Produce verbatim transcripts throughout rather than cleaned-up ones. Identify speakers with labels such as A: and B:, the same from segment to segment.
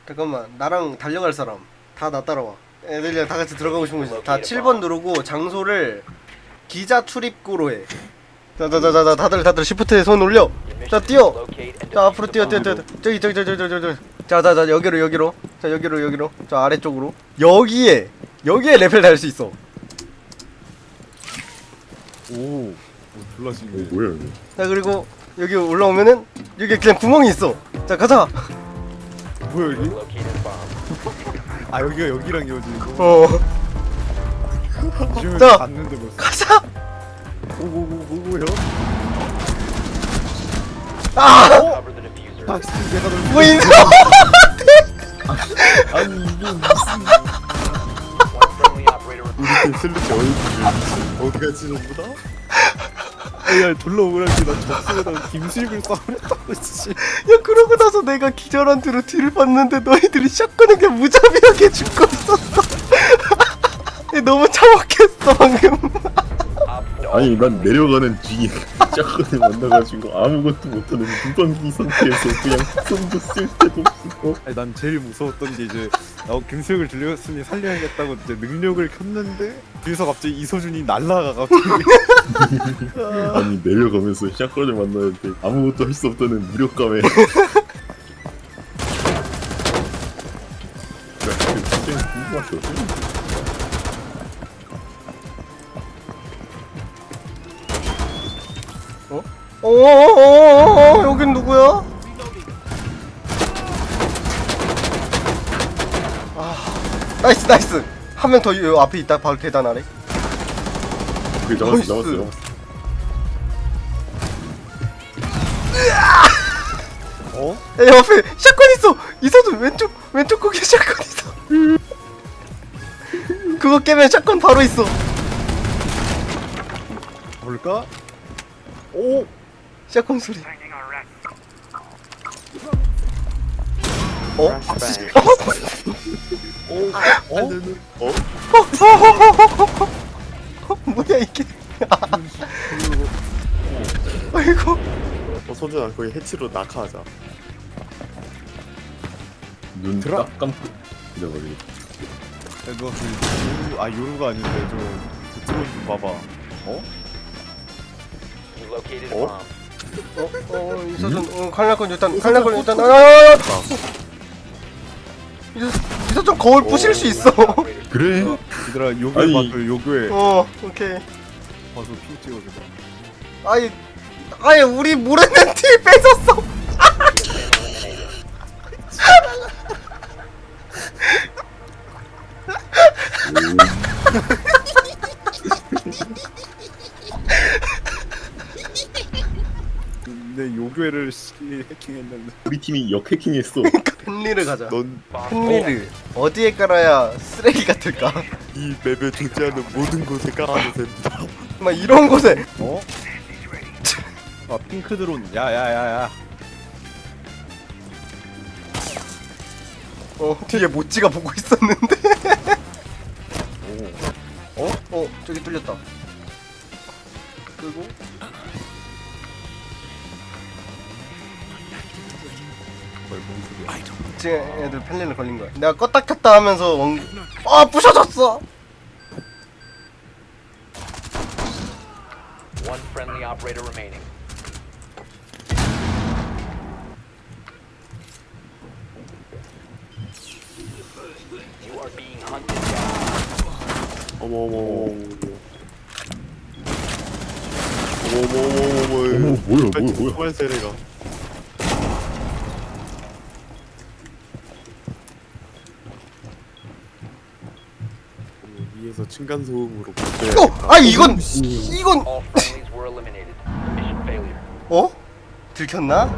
A: 잠깐만, 나랑 달려갈 사람 다 나 따라와. 애들이랑 다 같이 들어가고 싶은 거지. 다 칠 번 누르고 장소를 기자 출입구로 해. 자자자자, 다들 다들 시프트에 손 올려. 자, 뛰어. 자, 앞으로 뛰어 뛰어 뛰어. 저기 저기 저기 저기 저기 저기. 자자자, 여기로 여기로. 자, 여기로 여기로. 저 아래쪽으로. 여기에 여기에 레벨 달 수 있어.
B: 오, 오 졸라 신기해.
C: 뭐야 이거?
A: 자, 그리고 여기 올라오면은 여기 그냥 구멍이 있어. 자, 가자.
B: 뭐야 여기? 아 여기가 여기랑 이어지는 거.
A: 어,
B: 지금
A: 자.
B: 갔는데 벌써.
A: 가자.
B: 오오오오오요.
A: 아,
B: 아 진짜 내가 널
A: 뭐 인사.
C: 아니 이게 무슨 우리 슬래치 어디
B: 어디 갔지 전부 다? 야 졸라 억울하게 나 접수에다가 김수입을 싸우랬다고 씨.
A: 야, 그러고 나서 내가 기절한 뒤로 뒤를 봤는데 너희들이 샷건을 그냥 무자비하게 죽고 있었어. 너무 참혹했어 방금.
C: 아니 난 내려가는 뒤에 짝꿍을 만나가지고 아무것도 못하는 무방비 상태에서 그냥 손도 쓸 데도 없고.
B: 아니 난 제일 무서웠던 게 이제 나 김수혁을 들렸으니 살려야겠다고 이제 능력을 켰는데 뒤에서 갑자기 이소준이 날라가 갑자기.
C: 아니 내려가면서 짝꿍을 만나는데 아무것도 할 수 없다는 무력감에. 굉장히 궁금하거든.
A: 어? 어어어어어, 여긴 누구야? 아, 나이스 나이스. 한 명 더 앞에 있다. 바로 계단 아래.
C: 그게 잡았어 잡았어
A: 나이스.
C: 잡았어.
B: 어?
A: 야, 옆에 샷건 있어. 이서준 왼쪽 왼쪽 거기에 샷건 있어. 그거 깨면 샷건 바로 있어.
B: 볼까? 오!
A: 샷건 소리. 어?
B: 오! 어?
A: 어? 뭐야 이게? 아이고.
D: 어, 선준아 거기 해치로 낙하하자.
C: 눈
B: 들어.
C: 딱 감고 잊어버리고.
B: 야, 누가 그 요루, 아 요루가 아닌데 저 드론 좀 봐봐. 어?
D: 어?
A: 어? 어? 이서준 어, 칼날건 일단 칼날건 일단 아야야야. 이서준 거울 부실 수 있어.
C: 그래?
B: 얘들아 요교에
C: 아니.
B: 봐줘 요교에
A: 어, 오케이.
B: 봐서 핑 찍어줘.
A: 아이, 아예 우리 모르는 티 뺏었어.
B: 근데 요교를 씨 해킹했는데
C: 우리 팀이 역해킹했어.
A: 헨리를 가자.
D: 넌
A: 헨리를 어디에 깔아야 쓰레기 같을까?
D: 이 맵에 존재하는 모든 곳에 깔아도 됩니다.
A: 막 이런 곳에.
B: 어? 아 핑크 드론 야야야야
A: 어, 뒤에 모찌가 보고 있었는데.
B: 오
A: 어? 어, 저기 뚫렸다. 그리고 지금 애들 펠린을 걸린 거야. 내가 껐다 켰다 하면서 원... 아, 부셔졌어.
E: One friendly operator remaining. You are being hunted down.
D: 어머 어머 어머 어머 어머 어머 어머
C: 어머 뭐야 뭐야 뭐야.
D: 정말 세례가. 위에서 층간 소음으로
A: 어, 아 이건 이건
E: All friendlies were eliminated. Mission failure.
A: 어? 들켰나?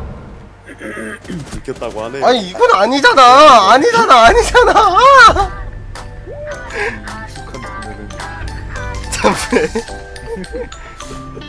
D: 들켰다고 하네.
A: 아니 이건 아니잖아. 아니잖아. 아니잖아.
B: 익숙한 장면은
A: 참네.